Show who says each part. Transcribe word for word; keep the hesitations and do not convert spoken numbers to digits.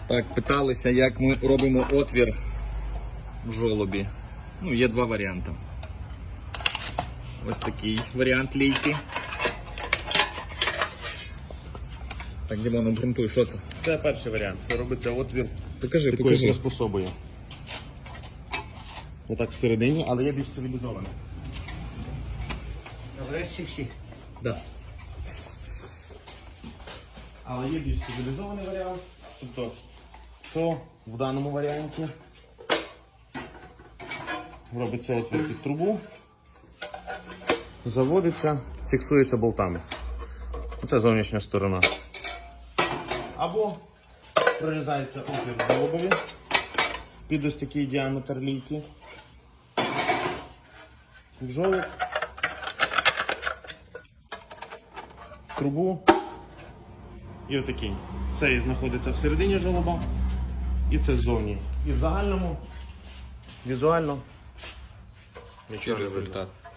Speaker 1: Так, питалися, як ми робимо отвір в жолобі. Ну, є два варіанти. Ось такий варіант лійки. Так, Дімон, обґрунтуй, що це?
Speaker 2: Це перший варіант. Це робиться отвір
Speaker 1: Покажи,
Speaker 2: такою
Speaker 1: покажи.
Speaker 2: приспособою. Отак всередині, але є більш цивілізований.
Speaker 3: Врешті всі.
Speaker 1: Да.
Speaker 2: Але є більш цивілізований варіант. Тобто, що в даному варіанті робиться отвір під трубу, заводиться, фіксується болтами. Це зовнішня сторона. Або прорізається отвір в жолобові під ось такий діаметр лійки. В жолоб, в трубу. І отакий. Цей знаходиться всередині жолоба, і це ззовні. І в загальному, візуально, нічого не видно.
Speaker 1: Результат.